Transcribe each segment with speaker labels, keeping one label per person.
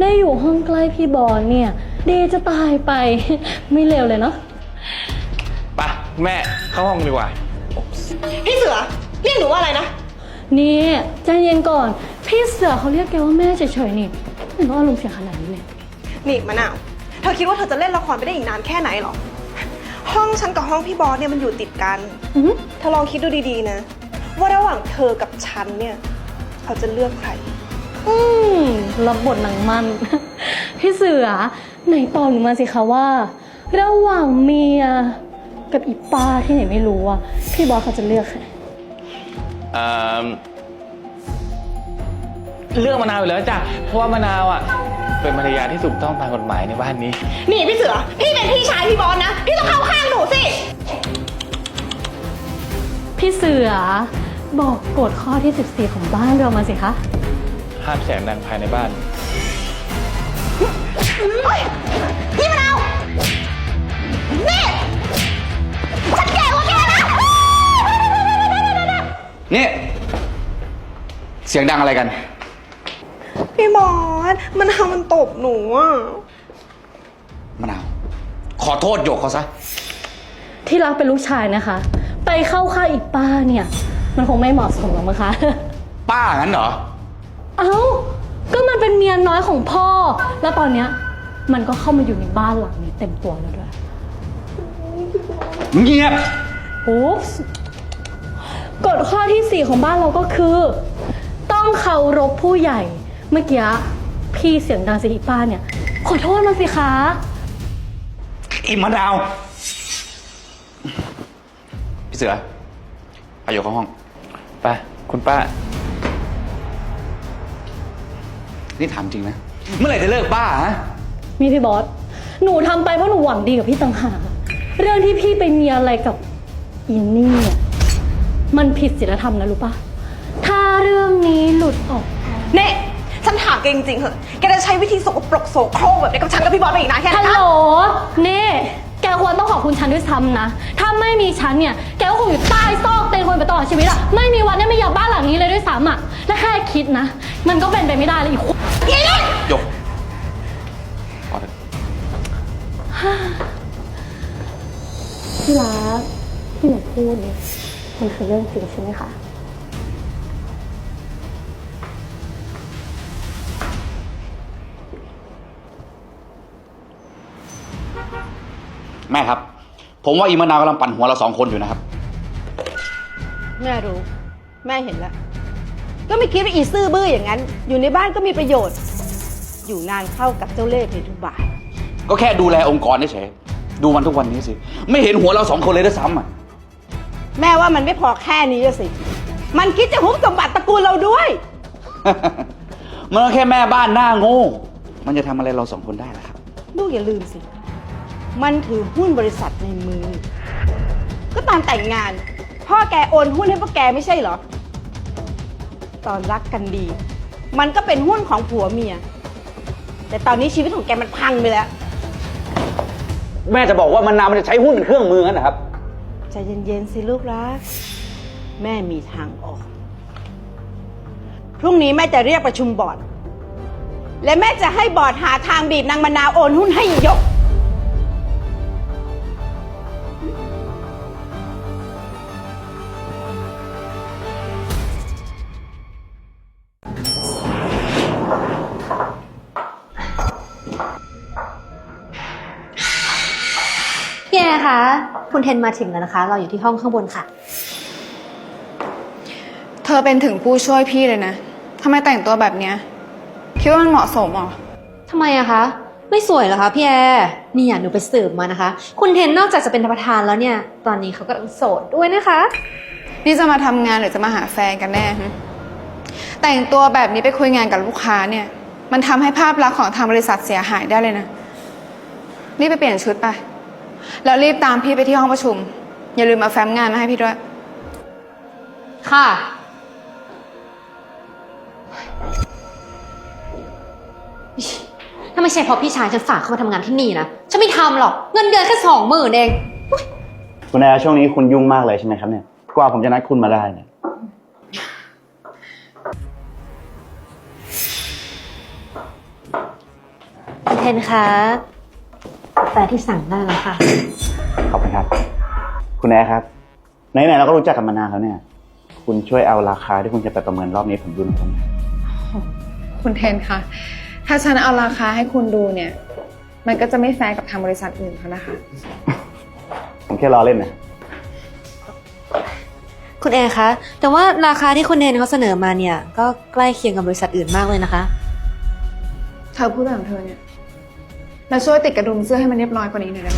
Speaker 1: ได้อยู่ห้องใกล้พี่บอลเนี่ยดีจะตายไป ไม่เลวเลยเนาะ
Speaker 2: ไปแม่เข้าห้องดีกว่า
Speaker 3: พี่เสือเรียกหนูว่าอะไรนะ
Speaker 1: นี่ใจเย็นก่อนพี่เสือเขาเรียกแกว่าแม่เฉยๆนี่ไม่ต้องอารมณ์เสียขนาดนี้เลย
Speaker 3: นี่มะนาวเธอคิดว่าเธอจะเล่นละครไปได้อีกนานแค่ไหนหรอห้องฉันกับห้องพี่บอสเนี่ยมันอยู่ติดกันเธอลองคิดดูดีๆนะว่าระหว่างเธอกับฉันเนี่ยเขาจะเลือกใคร
Speaker 1: รับบทหนังมัน พี่เสือไหนตอบหนูมาสิคะว่าระหว่างเมียกับอีป้าที่ไหนไม่รู้อะพี่บอสเขาจะเลือกใคร
Speaker 2: เลือกมะนาวอยู่แล้วจ้ะเพราะว่ามะนาวอ่ะเป็นภรรยาที่ถูกต้องตามกฎหมายในบ้านนี้
Speaker 3: นี่พี่เสือพี่เป็นพี่ชายพี่บอสนะพี่ต้องเข้าข้างหนูสิ
Speaker 1: พี่เสือบอกกฎข้อที่14ของบ้านเรามาสิคะ
Speaker 2: ห้ามเสียงดังภายในบ้าน
Speaker 3: พี่มะนาวนี่ฉันแก่กว่าแกนะ
Speaker 4: นี่เสียงดังอะไรกัน
Speaker 3: พี่บอสมันทำมันตบหนูอ่ะ
Speaker 4: มะนาวขอโทษหยกเขาซะ
Speaker 1: ที่รักเป็นลูกชายนะคะไปเข้าข้างอีกป้าเนี่ยมันคงไม่เหมาะสมหรอกมั้งคะ
Speaker 4: ป้างั้นเหรอ
Speaker 1: เอ้าก็มันเป็นเมียน้อยของพ่อแล้วตอนเนี้ยมันก็เข้ามาอยู่ในบ้านหลังนี้เต็มตัวแล้วด้วย
Speaker 4: เงียบ
Speaker 1: โอ้กฎข้อที่4ของบ้านเราก็คือต้องเคารพผู้ใหญ่เมื่อกี้พี่เสียงดังสิอีป้าเนี่ยขอโทษมาสิคะ
Speaker 4: อีมะนาวพี่เสือไปอยู่เข้าห้อง
Speaker 2: ไปคุณป้า
Speaker 4: นี่ถามจริงนะเมื่อไหร่จะเลิกบ้าฮะ
Speaker 1: มีพี่บอสหนูทำไปเพราะหนูหวังดีกับพี่ต่างหากเรื่องที่พี่ไปมีอะไรกับอินนี่เนี่ยมันผิดศีลธรรมนะรู้ปะถ้าเรื่องนี้หลุดออก
Speaker 3: เน่ฉันถามแกจริงๆเหอะแกจะใช้วิธีสกปรกโสโครกแบบนี้กับฉันกับพี่บอสไปอีกนานแค่ไหน
Speaker 1: ฮัลโหลเน่แกควรต้องขอบคุณฉันด้วยซ้ำนะถ้าไม่มีฉันเนี่ยแกก็คงอยู่ใต้ซอกเตียงคนไปตลอดชีวิตอะไม่มีวันได้ไม่อยากบ้านหลังนี้เลยด้วยซ้ำอะและแค่คิดนะมันก็เป็นไปไม่ได้เลยอีกคน
Speaker 4: หยก
Speaker 1: พี่รักที่หนูพูดเนี่ยมันคือเรื่องจริงใช่ไหมคะ
Speaker 4: แม่ครับผมว่าอีมะนาวกำลังปั่นหัวเรา2 คนอยู่นะครับ
Speaker 5: แม่รู้แม่เห็นแล้วก็ไม่คิดว่าอีซื่อบื้ออย่างนั้นอยู่ในบ้านก็มีประโยชน์อยู่นานเข้ากับเจ้าเล่ห์เพทุบาท
Speaker 4: ก็แค่ดูแลองค์กรเฉยๆดูมันทุกวันนี้สิไม่เห็นหัวเรา2 คนเลยด้วยซ้ำอ่ะ
Speaker 5: แม่ว่ามันไม่พอแค่นี้สิมันคิดจะฮุบสมบัติตระกูลเราด้วย
Speaker 4: มันก็แค่แม่บ้านหน้าโง่มันจะทำอะไรเรา2 คนได้ล่ะครับ
Speaker 5: ลูกอย่าลืมสิมันถือหุ้นบริษัทในมือก็ตอนแต่งงานพ่อแกโอนหุ้นให้พวกแกไม่ใช่เหรอตอนรักกันดีมันก็เป็นหุ้นของผัวเมียแต่ตอนนี้ชีวิตของแกมันพังไปแล้ว
Speaker 4: แม่จะบอกว่ามะนาวมันจะใช้หุ้นเป็นเครื่องมืองั้นนะครับ
Speaker 5: ใจเย็นๆสิลูกรักแม่มีทางออกพรุ่งนี้แม่จะเรียกประชุมบอร์ดและแม่จะให้บอร์ดหาทางบีบนางมะนาวโอนหุ้นให้ยก
Speaker 6: พี่แอร์คะคุณเทนมาถึงแล้วนะคะเราอยู่ที่ห้องข้างบนค่ะ
Speaker 7: เธอเป็นถึงผู้ช่วยพี่เลยนะทำไมแต่งตัวแบบเนี้ยคิดว่ามันเหมาะสมหรอ
Speaker 6: ทำไมอะคะไม่สวยเหรอคะพี่แอร์นี่หนูไปสืบมานะคะคุณเทนนอกจากจะเป็นประธานแล้วเนี่ยตอนนี้เขากำลังโสดด้วยนะคะ
Speaker 7: นี่จะมาทำงานหรือจะมาหาแฟนกันแน่แต่งตัวแบบนี้ไปคุยงานกับลูกค้าเนี่ยมันทำให้ภาพลักษณ์ของทางบริษัทเสียหายได้เลยนะรีบไปเปลี่ยนชุดไปแล้วรีบตามพี่ไปที่ห้องประชุมอย่าลืมเอาแฟ้มงานมาให้พี่ด้วย
Speaker 6: ค่ะถ้าไม่ใช่เพราะพี่ชายฉันฝากเข้ามาทำงานที่นี่นะฉันไม่ทำหรอกเงินเดือนแค่20,000เอง
Speaker 8: คุณแอร์ช่วงนี้คุณยุ่งมากเลยใช่ไหมครับเนี่ยกว่าผมจะนัดคุณมาได้เนี่ย
Speaker 6: เทนคะกาแฟที่สั่งได้แล้วค่ะ
Speaker 8: ขอบคุณครับ คุณแอร์ครับไหนๆเราก็รู้จักกันมานานแล้วเนี่ย คุณช่วยเอาราคาที่คุณจะไปประเมินรอบนี้ผมดูหน่อยครับ
Speaker 7: คุณเทนคะถ้าฉันเอาราคาให้คุณดูเนี่ย มันก็จะไม่แฟร์กับทางบริษัทอื่นเขานะคะ
Speaker 8: ผมแค่ล้อเล่นนะ
Speaker 6: คุณแอร์คะ แต่ว่าราคาที่คุณเทนเขาเสนอมาเนี่ย ก็ใกล้เคียงกับบริษัทอื่นมากเลยนะคะ
Speaker 7: เธอพูดแบบของเธอเนี่ยเราช่วยติดกระดุมเสื้อให้มันเรียบร้อยกว่านี้หน่อยได้ไหม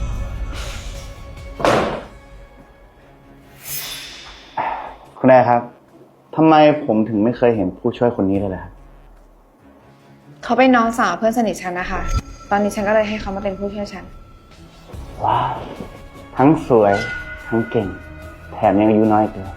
Speaker 8: คุณแอร์ครับทำไมผมถึงไม่เคยเห็นผู้ช่วยคนนี้เลยล่ะครับ
Speaker 7: เขาเป็นน้องสาวเพื่อนสนิทฉันนะคะ ตอนนี้ฉันก็เลยให้เขามาเป็นผู้ช่วยฉัน
Speaker 8: ว้าวทั้งสวยทั้งเก่ง แถมยังอายุน้อยอีกด้วย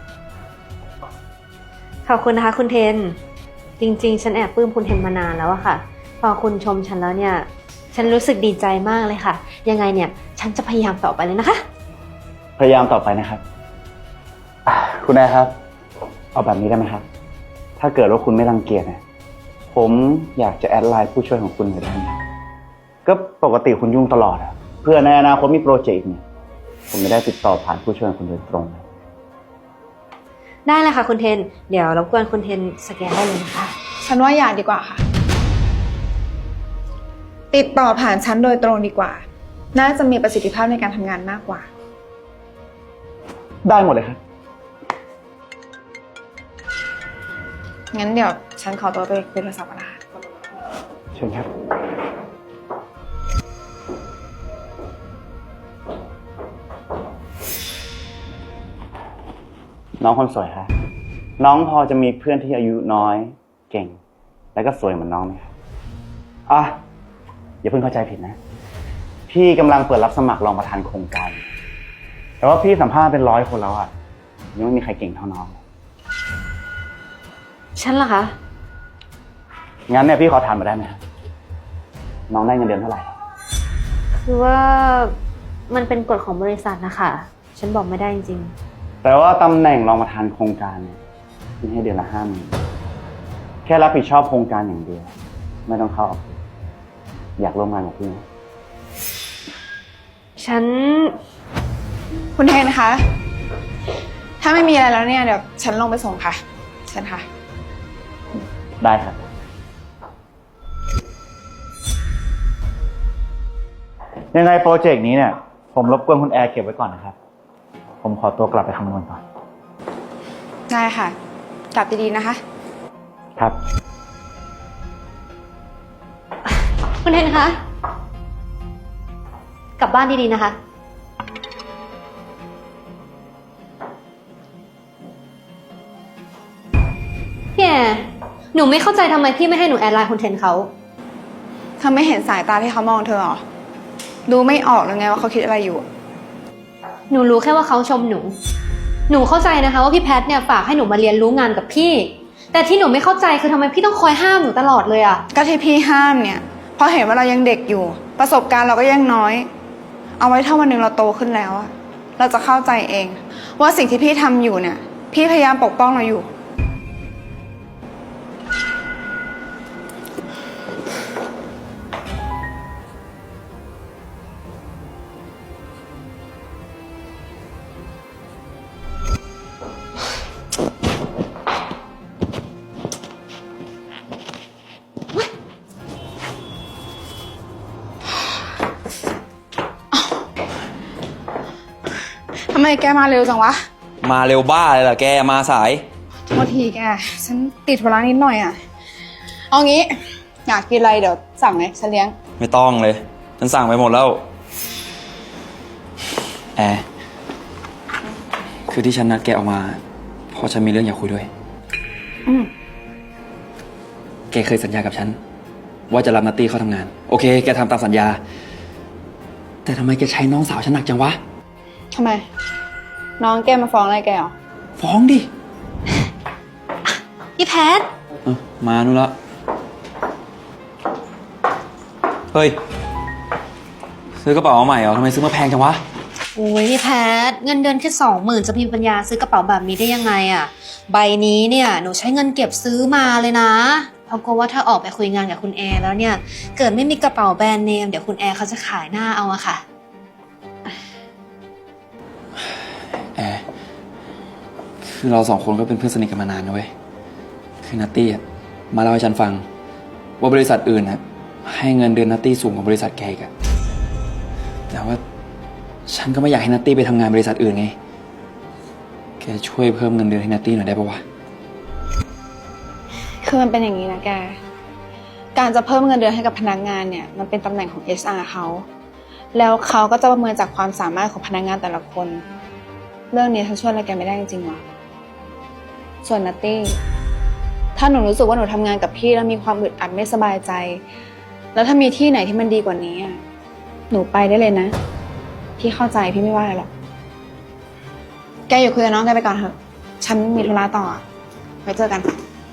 Speaker 6: ขอบคุณนะคะคุณเทน จริงๆ ฉันแอบปลื้มคุณเทนมานานแล้วอะค่ะ พอคุณชมฉันแล้วเนี่ย ฉันรู้สึกดีใจมากเลยค่ะ ยังไงเนี่ย ฉันจะพยายามต่อไปเลยนะคะ
Speaker 8: พยายามต่อไปนะครับคุณแอร์ครับ เอาแบบนี้ได้ไหมครับ ถ้าเกิดว่าคุณไม่รังเกียจเนี่ยผมอยากจะแอดไลน์ผู้ช่วยของคุณหน่อยได้ไหมครับก็ปกติคุณยุ่งตลอดอะเพื่อในอนาคตมีโปรเจกต์เนี่ยผมไม่ได้ติดต่อผ่านผู้ช่วยของคุณโดยตรงเลย
Speaker 6: ได้เลยค่ะคุณเทน เดี๋ยวรบกวนคุณเทนสแกนได้เลยนะคะ
Speaker 7: ฉันว่าอย่าดีกว่าค่ะ ติดต่อผ่านฉันโดยตรงดีกว่า น่าจะมีประสิทธิภาพในการทำงานมากกว่า
Speaker 8: ได้หมดเลยครับ
Speaker 7: งั้นเดี๋ยวฉันขอตัวไปคุยโทรศัพท์ก่อนนะคะ
Speaker 8: เชิญครับ น้องคนสวยครับน้องพอจะมีเพื่อนที่อายุน้อยเก่ง แล้วก็สวยเหมือนน้องไหมครับอ่ะอย่าเพิ่งเข้าใจผิดนะ พี่กำลังเปิดรับสมัครรองประธานโครงการ แต่ว่าพี่สัมภาษณ์เป็น100 คนแล้วอ่ะยังไม่มีใครเก่งเท่าน้อง
Speaker 6: ฉันเหรอคะ
Speaker 8: งั้นเนี่ยพี่ขอถามมาได้ไหมครับน้องได้เงินเดือนเท่าไหร่
Speaker 6: คือว่ามันเป็นกฎของบริษัทนะคะ ฉันบอกไม่ได้จริง
Speaker 8: แต่ว่าตำแหน่งรองประธานโครงการเนี่ยพี่ให้เดือนละ50,000แค่รับผิดชอบโครงการอย่างเดียว ไม่ต้องเข้าออฟฟิศอยากร่วมงานกับพี่ไหม
Speaker 6: ๆ ฉัน
Speaker 7: คุณเทนคะ ถ้าไม่มีอะไรแล้วเนี่ยเดี๋ยวฉันลงไปส่งค่ะเชิญค่ะ
Speaker 8: ได้ครับ ยังไงโปรเจกต์นี้เนี่ย ผมรบกวนคุณแอร์เก็บไว้ก่อนนะครับ ผมขอตัวกลับไปคำนวณก่อน
Speaker 7: ได้ค่ะ กลับดีๆนะคะ
Speaker 8: ครับ
Speaker 6: คุณเทนคะ กลับบ้านดีๆนะคะ พี่แอร์หนูไม่เข้าใจทำไมพี่ไม่ให้หนูแอดไลน์คุณเทนเขา
Speaker 7: เธอไม่เห็นสายตาที่เขามองเธอหรอ ดูไม่ออกเลยไงว่าเขาคิดอะไรอยู่
Speaker 6: หนูรู้แค่ว่าเขาชมหนู หนูเข้าใจนะคะว่าพี่แพทเนี่ยฝากให้หนูมาเรียนรู้งานกับพี่ แต่ที่หนูไม่เข้าใจคือทำไมพี่ต้องคอยห้ามหนูตลอดเลยอะ
Speaker 7: ก็ที่พี่ห้ามเนี่ย เพราะเห็นว่าเรายังเด็กอยู่ ประสบการณ์เราก็ยังน้อย เอาไว้ถ้าวันหนึ่งเราโตขึ้นแล้วอะเราจะเข้าใจเอง ว่าสิ่งที่พี่ทำอยู่เนี่ย พี่พยายามปกป้องเราอยู่ ทำไมแกมาเร็วจังวะ
Speaker 9: มาเร็วบ้าเลยล่ะแกมาสาย
Speaker 7: โทษทีแก ฉันติดธุระนิดหน่อยอ่ะ เอางี้ อยากกินอะไรเดี๋ยวสั่งเลยฉันเลี้ยง
Speaker 9: ไม่ต้องเลย ฉันสั่งไปหมดแล้ว แอร์คือที่ฉันนัดแกออกมาเพราะฉันมีเรื่องอยากคุยด้วย
Speaker 7: อืม
Speaker 9: แกเคยสัญญากับฉัน ว่าจะรับนัตตี้เข้าทำงาน โอเค แกทำตามสัญญา แต่ทำไมแกใช้น้องสาวฉันหนักจังวะ
Speaker 7: ทำไม น้องแกมาฟ้องอะไรแกเหรอ
Speaker 9: ฟ้องดิ
Speaker 6: พี่แพท
Speaker 9: มานู่นละเฮ้ย ซื้อกระเป๋ามาใหม่เหรอทำไมซื้อมาแพงจังวะ
Speaker 6: โอ้ยพี่แพทเงินเดือนแค่20,000จะมีปัญญาซื้อกระเป๋าแบบนี้ได้ยังไงอะใบนี้เนี่ยหนูใช้เงินเก็บซื้อมาเลยนะ แเพราะกลัวว่าถ้าออกไปคุยงานกับคุณแอร์แล้วเนี่ย เกิดไม่มีกระเป๋าแบรนด์เนมเดี๋ยวคุณแอร์เขาจะขายหน้าเอาอะค่ะ
Speaker 9: แอร์คือเราสองคนก็เป็นเพื่อนสนิทกันมานานนะเว้ย คือนัตตี้อะมาเล่าให้ฉันฟัง ว่าบริษัทอื่นนะให้เงินเดือนนัตตี้สูงกว่าบริษัทแกอีกอะแต่ว่าฉันก็ไม่อยากให้นัตตี้ไปทำงานบริษัทอื่นไง แกช่วยเพิ่มเงินเดือนให้นัตตี้หน่อยได้ปะวะ
Speaker 7: คือมันเป็นอย่างนี้นะแก การจะเพิ่มเงินเดือนให้กับพนักงานเนี่ยมันเป็นตำแหน่งของ HR เขา แล้วเขาก็จะประเมินจากความสามารถของพนักงานแต่ละคน เรื่องนี้ฉันช่วยอะไรแกไม่ได้จริงๆหรอส่วนนัตตี้ ถ้าหนูรู้สึกว่าหนูทำงานกับพี่แล้วมีความอึดอัดไม่สบายใจ แล้วถ้ามีที่ไหนที่มันดีกว่านี้อะหนูไปได้เลยนะ พี่เข้าใจพี่ไม่ว่าอะไรหรอก แกอยู่คุยกับน้องแกไปก่อนเถอะ ฉันมีธุระต่อ ไว้เจอกัน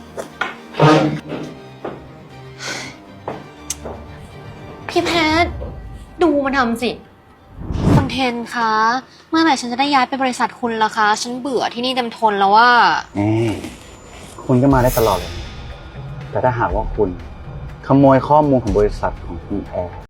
Speaker 6: พี่แพทดูมันทำสิคุณเทนคะ เมื่อไหร่ฉันจะได้ย้ายไปบริษัทคุณล่ะคะ ฉันเบื่อที่นี่เต็มทนแล้วว่า
Speaker 8: คุณก็มาได้ตลอดเลย แต่ถ้าหากว่าคุณขโมยข้อมูลของบริษัทของคุณแอร์